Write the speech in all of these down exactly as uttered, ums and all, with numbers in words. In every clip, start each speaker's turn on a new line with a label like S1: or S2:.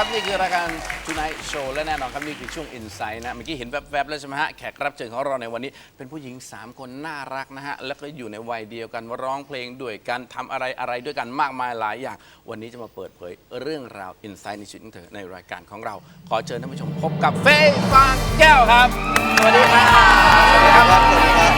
S1: นี่คือรายการ Tonight Show และแน่นอนครับนี่คือช่วง Insight นะเมื่อกี้เห็นแวบๆแล้วใช่ไหมฮะแขกรับเชิญของเราในวันนี้เป็นผู้หญิงสามคนน่ารักนะฮะแล้วก็อยู่ในวัยเดียวกันร้องเพลงด้วยกันทำอะไรอะไรด้วยกันมากมายหลายอย่างวันนี้จะมาเปิดเผยเรื่องราว Insight ในชีวิตของเธอในรายการของเราขอเชิญท่านผู้ชมพบกับเฟย์ฟางแก้วครับสวัสดีครับสวัสดีครับสวัสดีครับ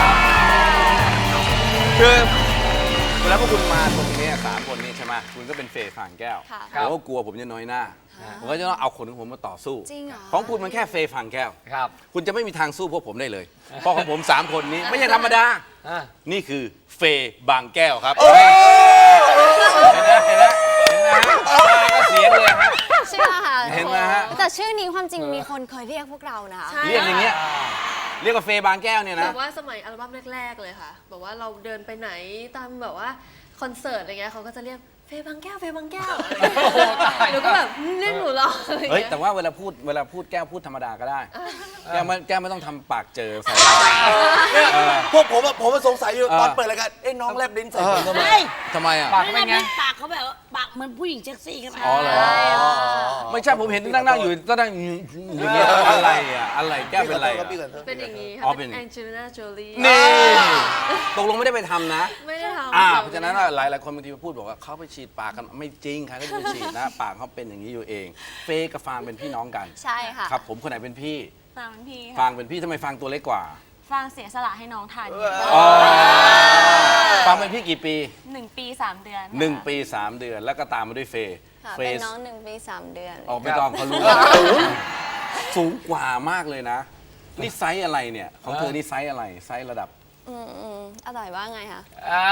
S1: คือเวลาพวกคุณมาตรงนี้สามคนนี้ใช่ไหมคุณก็เป็นเฟย์ฟางแก้วผมก็กลัวผมจะน้อยหน้าผมก็จะต้องเอาคนของผมมาต่อสู้ของคุณมันแค่เฟย์ฟางแก้วคุณจะไม่มีทางสู้พวกผมได้เลยเพราะของผมสามคนนี้ไม่ใช่ธรรมดานี่คือเฟย์บางแก้วครับเห็นไหมเห็นไหมเห็นไหมก็เสียงเลยฮะ
S2: ใช่ค่ะ
S1: เห็นไหมฮะ
S2: แต่ชื่อนี้ความจริงมีคนเคยเรียกพวกเรานะ
S1: เรียกอย่างเงี้ยเรียกว่าเฟย์บางแก้วเนี่ยนะ
S3: แบบว่าสมัยอัลบั้มแรกๆเลยค่ะแบบว่าเราเดินไปไหนตามแบบว่าคอนเสิร์ตอะไรเงี้ยเขาก็จะเรียกเฟย์บางแก้วเฟย์บางแก้วหนูก็แบบเรียกหนูหรอ
S1: เฮ้ยแต่ว่าเวลาพูดเวลาพูดแก้วพูดธรรมดาก็ได้แก้วไม่แก้วไม่ต้องทำปากเจอใส่
S4: พวกผมผมสงสัยอยู่ตอนเปิดรายการเอ้น้องแลบลิ้นใส่ผมทำไม
S1: ทำไมอ่ะ
S5: ปากเป็นไงปากเขาแบบปากเหมือนผู้หญิงเซ็กซี่กัน
S1: อ๋อเหรอไม่ใช่ผมเห็นนั่งนั่งอยู่ก็นั่งอย่างเงี้ยอะไรอ่ะอะไรแก้วเป็นอะไร
S3: เป็นอย่างนี้ค่ะเป็นแองเจลิน่าโจลี
S1: นี่ตกลงไม่ได้ไปทำนะ
S3: ไม่ได้ทำ
S1: อ่าเพราะฉะนั้นหลายหลายคนบางทีพูดบอกว่าเขาไปฉีดปากกันไม่จริงค่ะเขาจะไปฉีดนะปากเขาเป็นอย่างนี้อยู่เองเฟย์กับฟางเป็นพี่น้องกัน
S2: ใช่ค่ะ
S1: ครับผมคนไหนเป็นพี่
S2: ฟางเป็นพี่
S1: ฟางเป็นพี่ทำไมฟางตัวเล็กกว่า
S2: ฟางเสียสละให้น้องทาน
S1: ฟางเป็นพี่กี่ปี
S2: หนึ่งปีสามเดือน
S1: หนึ่งปีสามเดือนแล้วก็ตามมาด้วยเฟย์
S2: เฟย์เป็นน้องหนึ่งปีสามเดือน
S1: ออกไม่ต้องเขารู้สูงกว่ามากเลยนะนี่ไซส์อะไรเนี่ยของเธอนี่ไซส์อะไรไซส์ระดับ
S2: อืมอืมอร่อยว่าไงคะ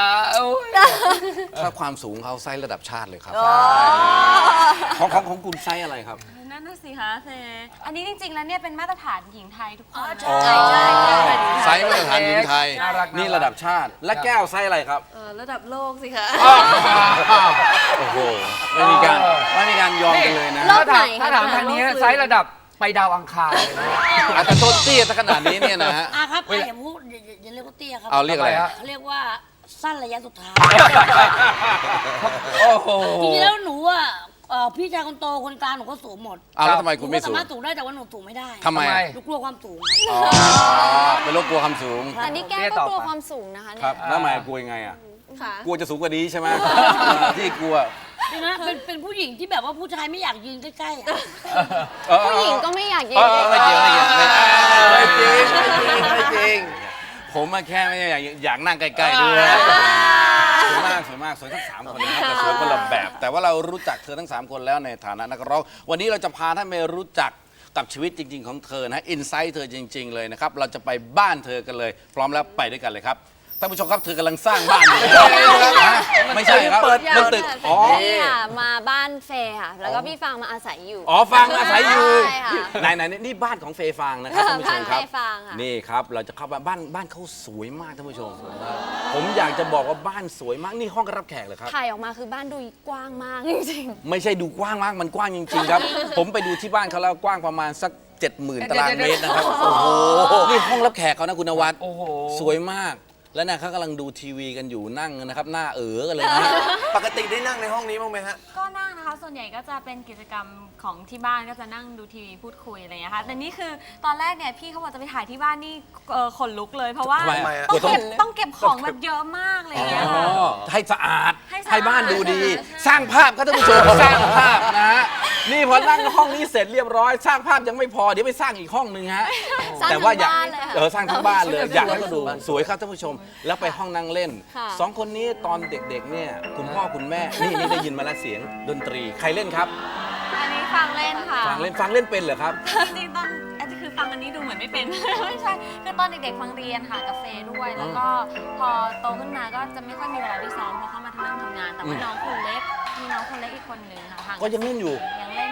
S1: ถ้าความสูงเขาไซส์ระดับชาติเลยครับของของของคุณไซส์อะไรครับ
S2: นั่นน่ะสิคะเฟย์อันนี้จริงๆแล้วเนี่ยเป็นมาตรฐานหญิงไทยทุกคน
S1: ใช่ใช่ไซส์มาตรฐานหญิงไทยนี่ระดับชาติและแก้วไซส์อะไรครับ
S3: ระดับโลกสิคะ
S1: โอ้โหไม่มีการไม่มีการยอมกันเลยนะ
S5: ถ้าถามทางนี้ไซส์ระดับไปดาวอังคาร
S1: แต่ต้นเตี้ยขนาดนี้เนี่ยนะฮะ
S5: อ่ะครับอย่าพูดอย่าเรียกว่าเตี้ยครับ
S1: เอาเรียกอะไร
S5: เขาเรียกว่าสั้นระยะสุดท้าย
S1: โอ้โห
S5: จริงๆแล้วหนูอ่ะพี่ชายคนโตคนกลางหนูก็สูงหมด
S1: อ้าวแล้วทำไมคุณไม่สูง
S5: สามารถสูงได้แต่ว่าหนูสูงไม่ได้
S1: ทำไม
S5: หนูกลัวความสูง
S1: อ๋อเป็นโรคกลัวความสูง
S2: อันนี้แก้ก็กลัวความสูงนะคะเนี่ย
S1: ครับแล้วทำไมกลัวยังไงอ่ะกลัวจะสูงกว่านี้ใช่ไหมที่กลัว
S5: นี่นะเป็นเป็นผู้หญิงที่แบบว่าผู้ชายไม่อยากยืนใกล้ๆ
S2: ผู้หญิงก็ไม่อยากยืน
S1: ไม่เกี่ยวไม่เกี่ยวไม่จริงไม่จริงผมมาแค่ไม่อยากอยากนั่งใกล้ๆด้วยสวยมากสวยมากสวยทั้งสามคนนะครับแต่สวยคนละแบบแต่ว่าเรารู้จักเธอทั้งสามคนแล้วในฐานะนักร้องวันนี้เราจะพาท่านไปรู้จักกับชีวิตจริงๆของเธอนะอินไซต์เธอจริงๆเลยนะครับเราจะไปบ้านเธอกันเลยพร้อมแล้วไปด้วยกันเลยครับท่านผู้ชมครับเธอกำลังสร้างบ้านอยู่ไม่ใช่ครับมันตึกอ๋อ
S2: นี่ค่ะมาบ้านเฟย์ค่ะแล้วก็พี่ฟางมาอาศัยอยู่
S1: อ๋อฟางอาศัยอยู่ไหนไหนนี่บ้านของเฟย์ฟางนะครับท่านผู้ชมครับนี่ครับเราจะเข้าบ้านบ้านบ้านเขาสวยมากท่านผู้ชมผมอยากจะบอกว่าบ้านสวยมากนี่ห้องรับแขกเหรอครับ
S2: ถ่ายออกมาคือบ้านดูกว้างมากจริง
S1: ๆไม่ใช่ดูกว้างมากมันกว้างจริงๆครับผมไปดูที่บ้านเขาแล้วกว้างประมาณสักเจ็ดหมื่นตารางเมตรนะครับโอ้โหนี่ห้องรับแขกเขานะคุณนวัดสวยมากแล้วนะเขากำลังดูทีวีกันอยู่นั่งนะครับหน้าเอ๋อกันเลยนะ
S4: ปกติได้นั่งในห้องนี้บ้างไหมฮะ
S6: ก็นั่งนะคะส่วนใหญ่ก็จะเป็นกิจกรรมของที่บ้านก็จะนั่งดูทีวีพูดคุยอะไรอย่างเงี้ยค่ะแต่นี่คือตอนแรกเนี่ยพี่เขาบอกจะไปถ่ายที่บ้านนี่ขนลุกเลยเพราะว่าต้องเก็บต้องเก็บของแบบเยอะมากเลยเนี่ย
S1: ให้สะอาดให้บ้านดูดีสร้างภาพครับท่านผู้ชมสร้างภาพนะฮะนี่พอนั่งห้องนี้เสร็จเรียบร้อยสร้างภาพยังไม่พอเดี๋ยวไปสร้างอีกห้องนึงฮะแต่ว่าอยากเออสร้างทั้งบ้านเลยอยากให้เขาดูสวยครับท่านผู้ชมแล้วไปห้องนั่งเล่นสองคนนี้ตอนเด็กๆเนี่ยคุณพ่อคุณแม่นี่นี่ได้ยินมาแล้วเสียงดนตรีใครเล่นครับ
S6: อันนี้ฟังเล่นค่ะ
S1: ฟังเล่นฟังเล่นเป็นเหรอครับ
S6: จริงๆตอนอันนี้คือฟังอันนี้ดูเหมือนไม่เป็นไม่ใช่คือตอนเด็กๆฟังเรียนค่ะกาแฟด้วยแล้วก็พอโตขึ้นมาก็จะไม่ค่อยมีเวลาไปซ้อมเพราะเข้ามาทำงานทำงานแต่ว่าน้องคนเล็กมีน้องคนเล็กอีกคนหนึ่งค่ะ
S1: ก็ยังเล่นอยู่
S6: ยังเล่นอยู่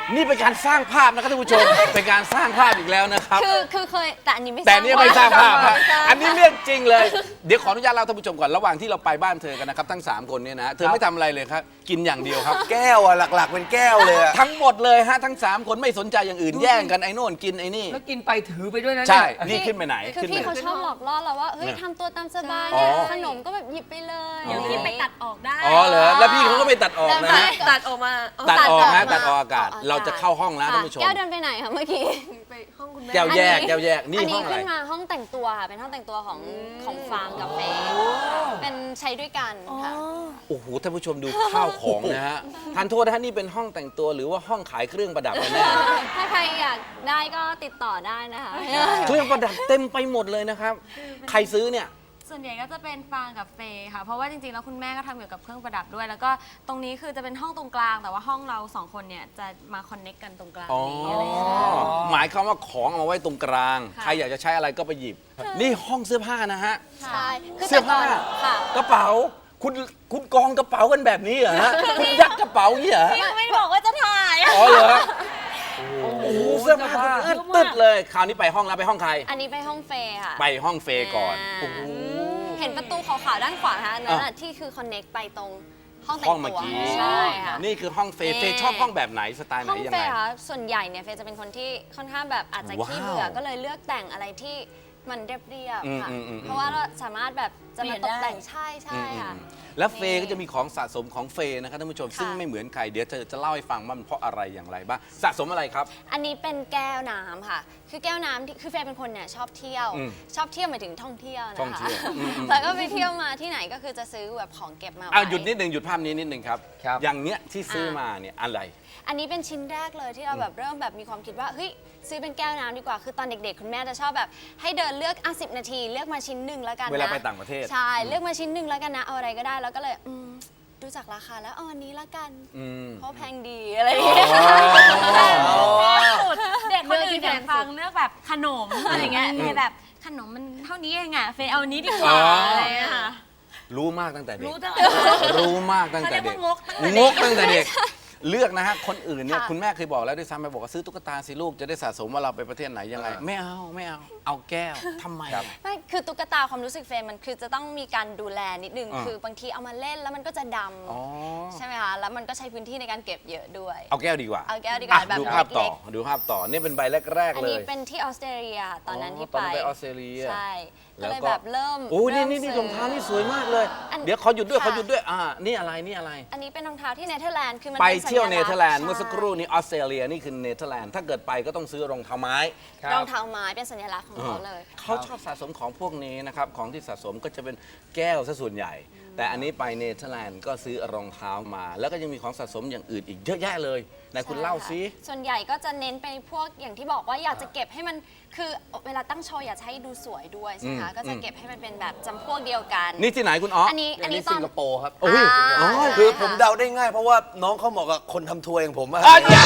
S1: นี่เป็นการสร้างภาพนะครับท่านผู้ชม เป็นการสร้างภาพอีกแล้วนะครับ
S6: คือคือเคยแต่อันนี้ไม่
S1: แต่นี่ไม่สร้างภาพฮะ
S6: ไม่สร้าง
S1: อันนี้เรื่องจริงเลย เดี๋ยวขออนุญาตเล่าท่านผู้ชมก่อนระหว่างที่เราไปบ้านเธอกันนะครับทั้งสามคนเนี่ยนะเธอไม่ทำอะไรเลยครับกินอย่างเดียวครับ
S4: แก้วอะหลักๆเป็นแก้วเลยอะ
S1: ทั้งหมดเลยฮะทั้งสามคนไม่สนใจอย่างอื่นแย่งกันไอ้โน่นกินไอ้นี่
S7: แล้วกินไปถือไปด้วยนะ
S1: ใช่
S7: เนี่ย
S1: นี่ขึ้นไปไหน
S6: คือ
S1: ขึ้นไป
S6: พี่
S1: ไหน
S6: เขาชอบหลอกล่อเราว่าเฮ้ย
S1: เนี่ย
S6: ทำตัวตามสบาย
S1: อ๋อ
S6: เนี่ยขนมก็แบบหยิบไปเลย
S2: เดี๋ยวพี่ไปตัดออกได้
S1: อ๋อเหรอแล้วพี่เขาก็ไปตัดออกนะฮะ
S3: ตัดออกมา
S1: ตัดออกนะ
S6: ตั
S1: ตัด
S6: ด
S1: อ
S6: อ
S1: อ
S6: อก ก
S1: อากาศ
S6: ออกอากาศ
S1: เราจะเข้าห้องแล้วท่านผู้ชม
S6: แก้วเดินไปไหนคะเมื่อกี้
S3: ไปห้องคุณแม่
S1: แก้วแยก
S6: อันนี้
S1: แก้วแยกนี่
S6: อัน
S1: ห้อ
S6: นี้
S1: งอะไร
S6: ขึ้นมาห้องแต่งตัวค่ะเป็นห้องแต่งตัวของของฟาร์มกับเฟย์เป็นใช้ด้วยกันค่ะ
S1: โอ้โหท่านผู้ชมดูข้าวของนะฮะทานโทษนะฮะนี่เป็นห้องแต่งตัวหรือว่าห้องขายเครื่องประดับกันแน่
S6: ถ้าใครอยากได้ก็ติดต่อได้นะคะ
S1: เครื่องประดับเต็มไปหมดเลยนะครับ ใครซื้อเนี่ย
S6: ส่วนใหญ่ก็จะเป็นฟางกับเฟย์ค่ะ เพราะว่าจริงๆ แล้วคุณแม่ก็ทำเกี่ยวกับเครื่องประดับด้วย แล้วก็ตรงนี้คือจะเป็นห้องตรงกลาง แต่ว่าห้องเราสองคนเนี่ยจะมาคอนเน็กกันตรงกลาง
S1: อ๋อ
S6: นี้อะไรอย่างเงี้ย
S1: หมายความว่าของเอามาไว้ตรงกลาง
S6: ค่ะ
S1: ใครอยากจะใช้อะไรก็ไปหยิบ นี่ห้องเสื้อผ้านะฮะ
S6: ใช่คือ
S1: เสื้อผ้า
S6: แต่ก่อนค่ะ
S1: กระเป๋า คุณคุณกองกระเป๋ากันแบบนี้เหรอฮะ คุณยัดกระเป๋าอย่างนี้เหรอ
S6: พี่ไม่บอกว่าจะถ่าย
S1: อ๋อเหรอโอ้โหเสื้อผ้าอึดตึดเลย คราวนี้ไปห้องแล้วไปห้องใคร
S6: อันนี้ไปห้องเฟย์ค่ะ
S1: ไปห้องเฟย์ก่อน
S6: อ่า
S1: โอ้โห
S6: เห็นประตูขาวๆด้านขวาคะอันนั่นน่ะ
S1: อ่ะ
S6: ที่คือคอนเน็กไปตรงห้องแต่
S1: ห้อง
S6: ง
S1: เมื่อ
S6: ตัว
S1: กี้
S6: ใช่ค่ะ
S1: นี่คือห้องเฟย์
S6: นี่
S1: เฟย์ชอบห้องแบบไหนสไตล์ไหน
S6: ห้อง
S1: ยัง
S6: เฟ
S1: ไง
S6: ย์ค่ะส่วนใหญ่เนี่ยเฟย์จะเป็นคนที่ค่อนข้างแบบอาจจะขี้
S1: ว้าว
S6: เบื่อก็เลยเลือกแต่งอะไรที่มันเรียบๆค่ะ
S1: อืมอืมอืม
S6: เพราะว่าเราสามารถแบบจะมาตกแต่งใช่ใช่
S1: อืม
S6: ค่ะ
S1: อืมแล้วเฟย์ก็จะมีของสะสมของเฟย์นะครับท่านผู้ชม
S6: ค่ะ
S1: ซึ่งไม่เหมือนใครเดี๋ยวจะจะเล่าให้ฟังว่ามันเพราะอะไรอย่างไรบ้างสะสมอะไรครับ
S6: อันนี้เป็นแก้วน้ำค่ะ คือแก้วน้ำที่คือเฟย์เป็นคนเนี่ยชอบเที่ยว
S1: อืม
S6: ชอบเที่ยวหมายถึงท่องเที่ยวนะคะ
S1: ท่องเที่ยวอืมอืม
S6: แล้วก็ไปเที่ยวมาที่ไหนก็คือจะซื้อแบบของเก็บมา
S1: อ่ะ
S6: ไว้
S1: หยุดนิดหนึ่งหยุดภาพนี้นิดหนึ่งครับ
S7: ครับ
S1: อย่างเนี้ยที่ซื้อ
S6: อ่ะ
S1: มาเนี่ยอะไร
S6: อันนี้เป็นชิ้นแรกเลยที่เราแบบเริ่มแบบมีความคิดว่าเฮ้ยซื้อเป็นแก้วน้ำดีกว่า คือตอนเด็กๆ คุณแม่จะชอบแบบให้เดินเลือกอ่ะสิบนาทีเลือกมาชิ้นหนึ่งแล้วกันนะ
S1: เวลาไปต่างประเทศ
S6: ใช่เลือกมาชิ้นหนึ่งแล้วกันนะเอาอะไรก็ได้แล้วก็เลยอืมดูจากราคาแล้วเอาอันนี้ละกัน
S1: อืม
S6: เพราะแพงดีอะไรอย่างเงี้ย
S2: สุดเด็กคนอื่นอย่างฟังเลือกแบบขนมอะไรเงี้ยเฟย์แบบขนมมันเท่านี้เองอ่ะเฟย์เอาอันนี้ดีกว่า
S1: อ๋ออ
S2: อะไรเงี้ยค่ะ
S1: รู้มากตั้งแต่เด็ก
S2: รู้ตั้ง
S1: รู้มากตั้งแต่เด็ก
S2: เขาเรียกว่างกตั้งแต่เด็ก
S1: งกตั้งแต่เด็ก เลือกนะฮะ คนอื่นเนี่ย
S6: ค่ะ
S1: คุณแม่เคยบอกแล้วด้วยซ้ำไปบอกว่าซื้อตุ๊กตาสิลูกจะได้สะสมว่าเราไปประเทศไหนยังไง ไม่เอาไม่เอา เอาแก้วทำไมอะ
S6: ไม่คือตุ๊กตาความรู้สึกเฟย์มันคือจะต้องมีการดูแลนิดนึง
S1: อ่า
S6: คือบางทีเอามาเล่นแล้วมันก็จะด
S1: อ๋อ
S6: ำใช่ไหมคะแล้วมันก็ใช้พื้นที่ในการเก็บเยอะด้วย
S1: เอาแก้วดีกว่า
S6: เอาแก้วดีกว่า
S1: อ่ะ
S6: แบบ
S1: ดูภาพต่อ
S6: เล็ก
S1: ดูภาพต่อ นี่เป็นใบแรก
S6: อั
S1: ๆ
S6: น
S1: เล
S6: นี้
S1: ย
S6: เป็นที่ออสเตรเลียตอนนั้นที่
S1: ตอน
S6: ไป
S1: นั้นไปออสเตรเลีย
S6: ใช่
S1: แล้
S6: ก็
S1: ว
S6: เลย
S1: ก็
S6: แบบเริ่ม
S1: โอ้นี่
S6: ริ่ม
S1: นี่นี่
S6: ซื้
S1: รองเท้านี่สวยมากเลย
S6: อัน
S1: เดี๋ยวขอหยุดด้วย
S6: ค่ะ
S1: ขอหยุดด้วย อ่า นี่อะไร นี่อะไร
S6: อันนี้เป็นรองเท้าที่เนเธอร์แลนด์คือมัน
S1: ไป
S6: ป็สัญ
S1: เที่ยว
S6: ลักษณ์
S1: เนเธอร์แลนด์เมื่อสักครู่
S6: ใช่
S1: นี้ออสเตรเลียนี่คือเนเธอร์แลนด์ ถ้าเกิดไปก็ต้องซื้อรองเท้าไม้
S7: ครับ
S6: รองเท้าไม้เป็นสัญลักษณ์ของเขาเลย
S1: เขาชอบสะสมของพวกนี้นะครับ ของที่สะสมก็จะเป็นแก้วซะส่วนใหญ่ แต่อันนี้ไปเนเธอร์แลนด์ก็ซื้อรองเท้ามา แล้วก็ยังมีของสะสมอย่างอื่นอีกเยอะแยะเลยไหนคุณเล่าซิ
S6: ใช่ค่ะส่วนใหญ่ก็จะเน้นไปพวกอย่างที่บอกว่าอยากจะเก็บให้มันคือเวลาตั้งโชว์อยากจะให้ดูสวยด้วยใช่ไหมคะ
S1: อืม
S6: ก็จะเก็บให้มันเป็นแบบจำพวกเดียวกัน
S1: นี่ที่ไหนคุณอ๋อ
S6: อันนี้อันนี้ตอ
S4: สิ
S6: น
S4: งคโปร์ครับ
S1: โอ้ย
S6: อ่า
S1: อ๋อ
S6: ใช่
S4: คือผม
S6: ะ
S4: เดาได้ง่ายเพราะว่าน้องเขาเหมาะกับคนทำทัวร์อย่างผมอะ
S1: อ๋อเนี่ย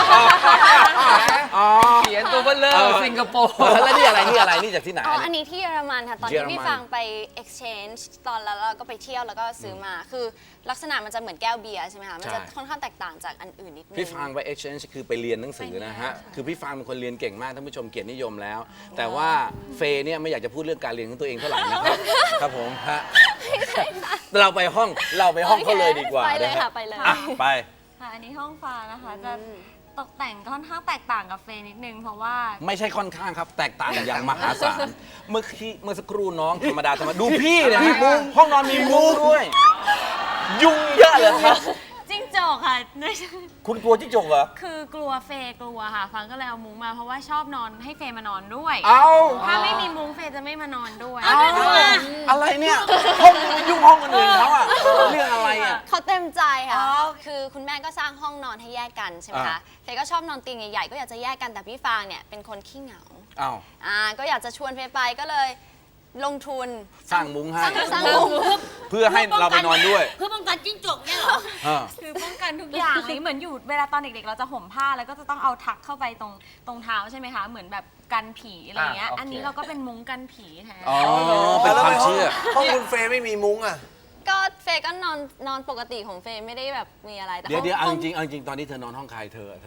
S1: อ๋อ
S7: เขียนตัวเบลเลอ
S1: เออ
S7: ร์สิงคโปร์
S1: แล้วนี่อะไรนี่อะไรนี่จากที่ไหน
S6: อ๋อ อันนี้ที่เยอรมันค่ะ ตอน
S1: เยอ
S6: ที่
S1: รมัน
S6: พี่ฟังไป exchange ตอนแล้วเราก็ไปเที่ยวแล้วก็ซื้อมา คือลักษณะมันจะเหมือนแก้วเบียร์ใช่ไหมคะ มันจะ
S1: ใช่
S6: ค่อนข้างแตกต่างจากอันอื่นนิดนึง
S1: พี่ฟางไป exchange คือไปเรียนหนังสือนะฮะ คือพี่ฟางเป็นคนเรียนเก่งมากท่านผู้ชมเกียรตินิยมแล้ว แต่ว่าเฟย์เนี่ยไม่อยากจะพูดเรื่องการเรียนของตัวเองเท่าไหร่นะครับ ครับผมฮะเราไปห้องเราไปห้องเขาเลยดีกว่า
S6: ไปเลย
S1: นฮ
S6: ค่ะไปเลย
S1: อ่ะไป
S6: ๆ
S2: ค่ะ อันนี้ห้องฟ้านะคะ จะตกแต่งค่อนข้างแตกต่างกับเฟย์นิดนึง เพราะว่า
S1: ไม่ใช่ค่อนข้างครับ แตกต่างอย่างมหาศาล เมื่อกี้เมื่อสักครู่น้องธรรมดาธรรมดาดูพี่นะฮะห้องนอนมีมุ้งด้วย ยุงเยอะเลยครับ
S2: จิ้งจอกค่ะ
S1: คุณกลัวจิ้งจกเหรอ
S2: คือกลัวเฟย์กลัวค่ะ ฟังก็เลยเอามุ้งมาเพราะว่าชอบนอนให้เฟย์มานอนด้วย
S1: เอา
S2: ถ้าไม่มีมุ้งเฟย์จะไม่มานอนด้วย
S1: อะไรเนี่ยห้องยังไปยุ่งห้องคนอื่นเขาอ่ะเรื่องอะไรอ่ะ
S6: เขาเต็มใจค่ะ คือคุณแม่ก็สร้างห้องนอนให้แยกกันใช่ไหม
S1: อ่า
S6: คะ เฟย์ก็ชอบนอนเตียงใหญ่ๆ ก็อยากจะแยกกัน แต่พี่ฟางเนี่ยเป็นคนขี้เหงา
S1: อ้าว
S6: อ่า ก็อยากจะชวนเฟย์ไปก็เลยลงทุน
S1: สร้างมุ้งให้
S6: สร้างสร้างมุ้ง
S1: เพื่อให้เราไปนอนด้วย
S5: เพื่อป้องกันจิ้งจกเนี่ยเหรอ
S1: อ่า
S2: คือป้องกันทุกอย่างเลยเหมือนอยู่เวลาตอนเด็กๆ เราจะห่มผ้าแล้วก็จะต้องเอาทักเข้าไปตรงตรงเท้าใช่ไหมคะ เหมือนแบบกันผีอะไรอย่างเงี้ย
S7: อ่าโอเค
S2: อันนี้เราก็เป็นมุ้งกันผีแทน
S1: อ๋อ เป็นความเชื่อ
S4: ห้องคุณเฟย์ไม่มีมุ้งอะ
S6: ก็เฟย์ก็นอนนอนปกติของเฟย์ไม่ได้แบบมีอะไรแต่
S1: เดี๋ยวเดี๋ยวเอา
S6: ห้
S1: จ
S6: อง
S1: ริงๆเอาจริงๆตอนนี้เธอนอนห้องใครเธอเธอ
S6: ค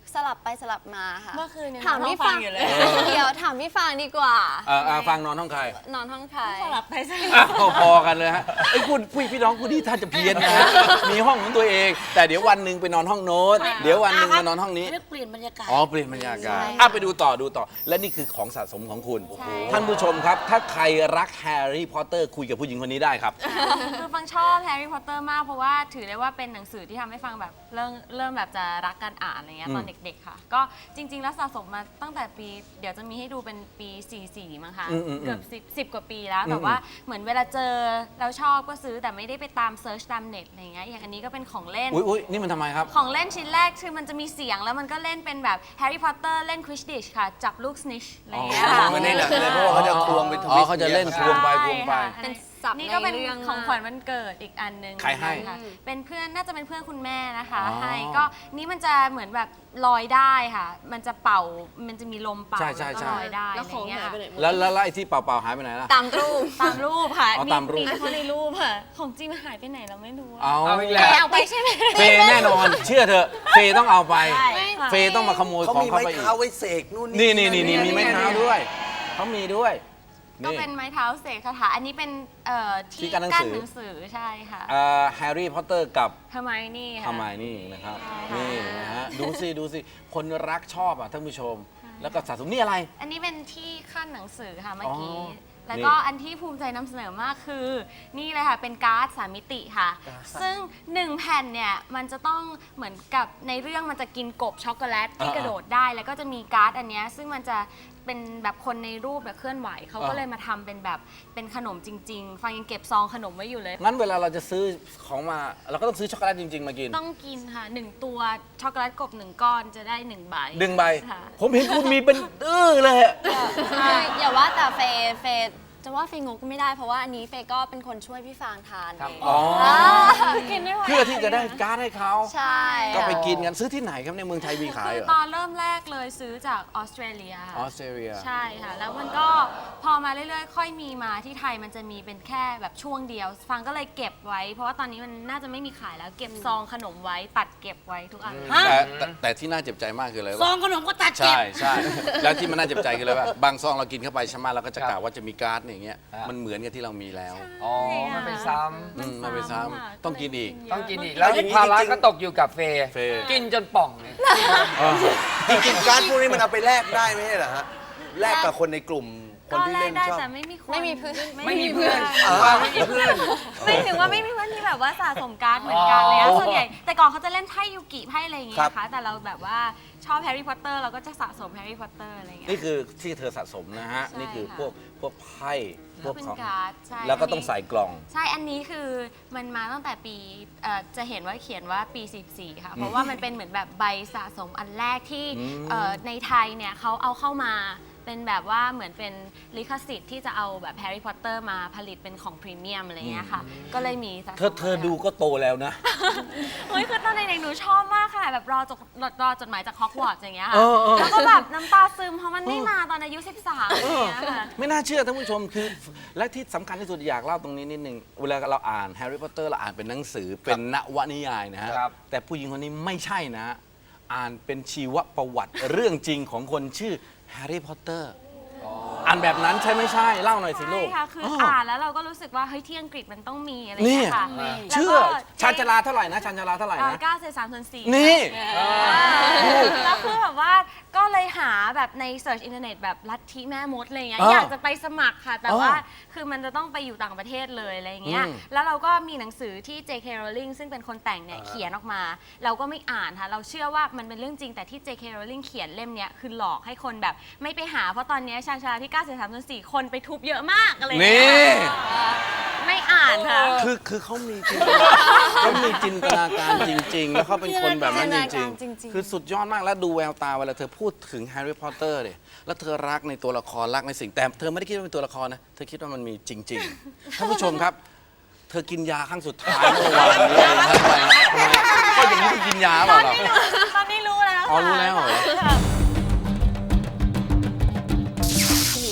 S8: สลับไปสลับมาค่ะ
S6: เมื่อคืนยัง
S8: ถามพี่
S6: นอนห้องฟั
S8: ฟาง ง
S6: อยู่เลย
S8: เดี๋ยวถามพี่ฟางดีกว่า
S1: เออเออฟังนอนห้องใคร
S8: นอนห้องใคร
S6: สลับไปสลับ
S1: อ้าวพอกันเลยฮะไอ้คุณพี่พี่น้องคุณนี่ท่านจะเพี้ยนนะฮะมีห้องของตัวเอง แต่เดี๋ยววันหนึ่งไปนอนห้องโน้ตเดี๋ยววันหนึ่งมานอนห้องนี้
S5: เรียกเปลี่ยนบรรยากาศ
S1: อ๋อเปลี่ยนบรรยากาศอ่ะไปดูต่อดูต่อ และนี่คือของสะสมของคุณ ท่านผู้ชมครับ ถ้าใครรักแฮร์รี่พอตเตอร์คุยกับผู้หญิงคนนี้ได้ครับ
S6: คือฟังชอบแฮร์รี่พอตเตอร์มากเพราะว่าถือได้ว่าเป็นหนังสือที่ทำให้ฟังแบบเริ่มเริ่มแบบจะรักการอ่านอะไรเงี้ยตอนเด็กๆค่ะก็จริง ๆ แล้วสะสมมาตั้งแต่ปีเดี๋ยวจะมีให้ดูเป็นปีสี่สิบสี่มั้งคะ
S1: อืมอืมอืม
S6: เกือบสิบ สิบกว่าปีแล้ว
S1: อืม
S6: แต่ว่าเหมือนเวลาเจอแล้วชอบก็ซื้อแต่ไม่ได้ไปตามเซิร์ชตามเน็ตอะไรเงี้ยอย่างอันนี้ก็เป็นของเล่น
S1: อุ้ยอุ้ยนี่มันทำไมครับ
S6: ของเล่นชิ้นแรกคือมันจะมีเสียงแล้วมันก็เล่นเป็นแบบแฮร์รี่พอตเตอร์เล่นควิชดิชค่ะจับลูกสนิชอะไรเงี้ยค่ะ
S4: เหมือนในหนังเลยเพราะว่าเขาจะควงเป็นท
S1: อ๋
S4: วิ
S1: อ
S4: สต์
S1: เขาจะเล่น
S4: อย่ง
S1: ค
S4: งี้ยว
S1: งไปควงไป
S6: ใช่ค่ะ
S8: เป็นศัพท์
S6: นี่ก็เป็น
S8: ในเรื่อง
S6: ของขวัญวันเกิดอีกอันหนึ่ง
S1: ใครให้
S6: ค่ะเป็นเพื่อนน่าจะเป็นเพื่อนคุณแม่นะคะ
S1: อ๋อ
S6: ให้ก็นี่มันจะเหมือนแบบลอยได้ค่ะ มันจะเป่ามันจะมีลมเป่า
S1: ใช่ใช่
S6: แล้ว
S1: ใช่
S6: ก็ลอยได้
S3: แล้วของ
S6: ะไรเงี้
S3: หาย
S6: ย
S3: ไปไหนหมด
S1: แล้วแล้วแล้วไอ้ที่เปล่าๆหายไปไหนล่ะ
S8: ตามรูป
S6: ตามรูปค่ะ
S1: อ๋อตามรูป
S6: เฉพาะในรูปค่ะ ของจริงมันหายไปไหนเราไม่รู้อะ
S1: เอา
S7: เอาอีก
S8: แก
S7: แล้ว
S8: เอาไปใช่ไหม
S1: เฟย์แน่นอน เชื่อเถอะเฟย์ต้องเอาไป
S6: ใช่ค่ะ
S1: เฟย์ต้องมาขโมย
S4: เขา
S1: ของ
S4: มี
S1: เขา
S4: ไม้
S1: ไปอีก
S4: เท้าไว้เสกนู่น
S1: นี่นี่นี่นี่
S7: นี่
S1: มีไม้เท้าด้วยเขามีด้วย
S6: ก็
S1: นี่
S6: เป็นไม้เท้าเสกคาถาอันนี้เป็นเอ่อ
S1: ที่
S6: ที่
S1: กั้นหนัง
S6: กั้น
S1: สือ
S6: หนังสือใช่ค่ะ
S1: เอ่อแฮร์รี่พอตเตอร์กับ
S6: ทำไมนี่ค่ะ
S1: ทำไมนี่นะครับ
S6: ใช่
S1: นี่นะฮะดูสิดูสิคนรักชอบอ่ะท่านผู้ชม แล้วก็สะสมนี่อะไร
S6: อันนี้เป็นที่ขั้นหนังสือค่ะเมื่อกี้
S1: อ๋อ
S6: แล้วก็อันที่ภูมิใจนำเสนอมากคือ นี่เลยค่ะเป็นการ์ดสามมิติค่ะ ซึ่งหนึ่งแผ่นเนี่ยมันจะต้องเหมือนกับในเรื่องมันจะกินกบช็อกโกแลตที่กระโดดได้ แล้วก็จะมีการ์ดอันเนี้ยซึ่งมันจะเป็นแบบคนในรูปแบบเคลื่อนไหวเขาก็เลยมาทำเป็นแบบเป็นขนมจริง ๆ ฟังยังเก็บซองขนมไว้อยู่เลย
S1: งั้นเวลาเราจะซื้อของมาเราก็ต้องซื้อช็อกโกแลตจริง ๆ มากิน
S6: ต้องกินค่ะหนึ่งตัวช็อกโกแลตกบหนึ่งก้อนจะได้หนึ่งใบ
S1: ดึงใบ
S6: ค่ะ
S1: ผมเห็นคุณมีเป็นอื้อเลยอะ
S8: คืออย่าว่าแต่เฟย์เฟย์จะว่าเฟย์งกก็ไม่ได้เพราะว่าอันนี้เฟย์ก็เป็นคนช่วยพี่ฟางทานเอง
S1: อ๋อ
S6: กินไม่ไหว
S1: เพื่อที่จะได้การ์ดให้เขา
S8: ใช่
S1: ก็ไปกินกันซื้อที่ไหนครับในเมืองไทยมีขาย
S6: คื
S1: เห
S6: อ
S1: รอ
S6: ตอนเริ่มแรกเลยซื้อจากออสเตรเลีย
S1: ออสเตรเลีย
S6: ใช่ค่ะ แล้วมันก็พอมาเรื่อยๆ ค่อยมีมาที่ไทยมันจะมีเป็นแค่แบบช่วงเดียว ฟังก็เลยเก็บไว้ เพราะว่าตอนนี้มันน่าจะไม่มีขายแล้วเก็บซองขนมไว้ตัดเก็บไว้ทุกอัน
S5: ฮะ
S1: แต่แต่แต่ที่น่าเจ็บใจมากคืออะไร
S5: ซอ
S1: วะ
S5: งขนมก็ตัดเก็
S1: ใช่
S5: บ
S1: ใช่แล้วที่มันน่าเจ็บใจคืออะไรวะบางซองเรากินเข้าไปใช่ไหมเราก็จะกล่าวว่าจะมีการ์ดอย่างเงี้ย
S7: ครับ
S1: มันเหมือนกับที่เรามีแล้ว
S7: อ๋อ มันไปซ้
S1: อืมมันไปซ้ำต้องกินอีก
S7: ำต้องกินอีก แล้วภาระก็ตกอยู่กับเฟย์
S1: เฟย์
S7: กินจนป่องเนี่ย
S4: จริงๆการ์ดพวกนี้มันเอาไปแลกได้ไม่ใช่เหรอฮะแลกกับคนในกลุ่มคน
S6: ก็
S4: ที่
S6: แล
S4: เล่
S6: ก
S4: น
S6: ได้
S4: ชอบ
S6: แต่ไม่มีคน
S8: ไม่มีเพื่อน
S7: ไม่มีเพื่อน
S4: อ๋อ
S7: ฟางไม่มีเพื่อน
S6: ไม่ถึงว่าไม่มีเพื่อนที่แบบว่าสะสมการ์ดเหมือนกันเลยอะ
S7: อ๋อ
S6: ส่วนใหญ่แต่ก่อนเขาจะเล่นไพ่ยูกิไพ่อะไรอย่างเงี้ย
S4: ครับ
S6: นะคะแต่เราแบบว่าชอบแฮร์รี่พอตเตอร์เราก็จะสะสมแฮร์รี่พอตเตอร์อะไรอย่างเงี้ย
S1: นี่คือที่เธอสะสมนะฮะ
S6: ใช่
S1: นี่คือ
S6: ค่ะ
S1: พวกพวกไพ่พวก
S6: เป็น
S1: ของ
S6: การ์ดใช่
S1: แล้วก็ต้องใส่กล่อง
S6: ใช่ อันนี้คือมันมาตั้งแต่ปีเอ่อจะเห็นว่าเขียนว่าปีสิบสี่ค่ะ เพราะว่ามันเป็นเหมือนแบบใบสะสมอันแรกที่
S1: อืม
S6: เอ่อในไทยเนี่ยเขาเอาเข้ามาเป็นแบบว่าเหมือนเป็นลิขสิทธิ์ที่จะเอาแบบแฮร์รี่พอตเตอร์มาผลิตเป็นของพรีเมียมอะไรเงี้ยค่ะ ก็เลยมีสะสม
S1: เธอเธอดูก็โตแล้วนะ
S6: เฮ้ยคือตอนเด็กๆหนูชอบมากค่ะแบบรอจดรอจดหมายจากฮอกวอตส์อย่างเงี้ยค่ะ
S1: เออเออ
S6: แล้วก็แบบน้ำตาซึมเพราะมันไม่มาตอนอายุสิบสามอย่างเงี้ยค่ะ
S1: ไม่น่าเชื่อท่านผู้ชมคือ และที่สำคัญที่สุดอยากเล่าตรงนี้นิดนึง เวลาเราอ่านแฮร์รี่พอตเตอร์เราอ่านเป็นหนังสือเป็นนวนิยายนะฮะ
S7: ครับ
S1: แต่ผู้หญิงคนนี้ไม่ใช่นะ อ่านเป็นชีวประวัติ เรื่องจริงของคนชื่อแฮร์รี่พอตเตอร์อ่านแบบนั้นใช่ไม่ใช่ เล่าหน่อยสิลู
S6: ใช่
S1: ก
S6: ค่ะ คืออ่านแล้วเราก็รู้สึกว่าเฮ้ยที่อังกฤษมันต้องมีอะไร
S1: นี่
S6: เงี้ยค่ะ
S1: เชื่อชานชาลาเท่าไหร่นะชานชาลาเท่าไหร่นะ
S6: เก้าเศษสามส่วนสี่
S1: นี่
S6: แล้วคือแบบว่าก็เลยหาแบบในเสิร์ชอินเทอร์เน็ตแบบลัทธิแม่มดอะไรเงี้ย
S1: อ๋อ
S6: อ
S1: อ
S6: ยากจะไปสมัครค่ะ แต่
S1: อ๋อ
S6: ว่าคือมันจะต้องไปอยู่ต่างประเทศเลยอะไรเงี้ย
S1: อืม
S6: แล้วเราก็มีหนังสือที่ เจ เค Rowling ซึ่งเป็นคนแต่งเนี่ยเขียนออกมา เราก็ไม่อ่านค่ะ เราเชื่อว่ามันเป็นเรื่องจริงแต่ที่ เจ เค Rowling เขียนเล่มเนี้ยคือหลอกให้คนแบบไม่ไปหาเพราะตอนเนี้ยชาญชาลาที่เก้าเศษสามส่วนสี่คนไปทุบเยอะมากอะไร
S1: นี่
S6: เงี้ยไม่อ่านค่ะ
S1: คือคือเขามีจินตนาเขามีจินตนาการจริง ๆ แล้วเขาเป็นคนแบบนั้นจ
S8: จินตนา
S1: ริ
S8: กาง รจริง
S1: ๆ
S8: ๆ
S1: คือสุดยอดมากแล้วดูแววตาเวลาเธอพูดถึงแฮร์รี่พอตเตอร์เนี่ยแล้วเธอรักในตัวละครรักในสิ่งแต่เธอไม่ได้คิดว่าเป็นตัวละครนะ เธอคิดว่ามันมีจริง ๆ ท่านผู้ชมครับ เธอกินยาครั้งสุดท้ายเมื่อวานนี้นะทำไมทำไมก็อย่างนี้คือกินยาเปล่าเรา
S6: ตอนนี้รู้แล้ว
S1: อ๋อรู้แล้วเหรอ
S6: ค่ะ
S3: หนูชอบ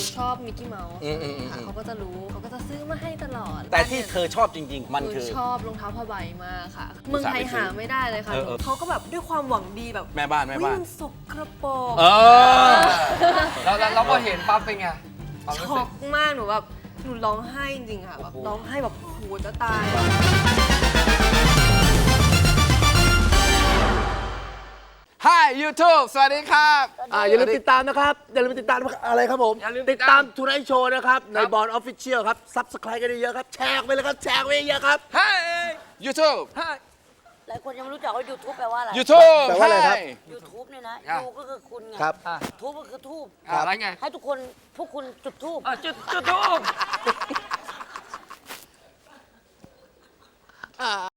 S3: มิกกี้เมาส์
S1: อืมอืมอืม
S3: ค่ะเขาก็จะรู้เขาก็จะซื้อมาให้ตลอด
S1: แต่ที่เธอชอบจริง ๆ มัน
S3: หนู
S1: คือ
S3: ชอบรองเท้าผ้าใบมากค่ะ เมืองไทยหาไม่ได้เลยค่ะ
S1: เออเออ
S3: เขาก็แบบด้วยความหวังดีแบบ
S1: แม่บ้านแม่บ้าน
S3: อุ๊ยมันสกระปรก
S1: เออ
S7: แล้วแล้วเราก็เห็นปั๊บเป็นไงความรู้
S3: ช็
S7: สึ
S3: อก กมากหนูแบบหนูร้องไห้จริงๆค่ะแบบร้องไห้แบบโอ้โหจะตาย
S1: Hi YouTube สวัสดีครับ
S4: อ่าอย่าลืมติดตามนะครับ อย่าลืมติดตามอะไรครับผม
S7: อย่าลืม
S4: ติดตามทูไนท์โชว์นะครับ ในบอลออฟฟิเชียลครับซับสไครต์กันเยอะๆครับ แชร์ไปเลยครับ แชร์ไปเยอะๆครับ
S1: Hi YouTube
S5: หลายคนยังไม่รู้จักว่า YouTube แปลว่าอะไร
S1: YouTube
S4: แปลว่าอะไรครับ
S1: Hi
S5: YouTube เนี่ยนะ
S7: อ่ะ
S5: ยูก็คือคุณไง
S4: ครับ
S5: ทูบก็คือทูบ
S7: อ่ะอะไรไง
S5: ให้ทุกคนพวกคุณจุดทูบ
S7: อ่ะจุดจุดทูบ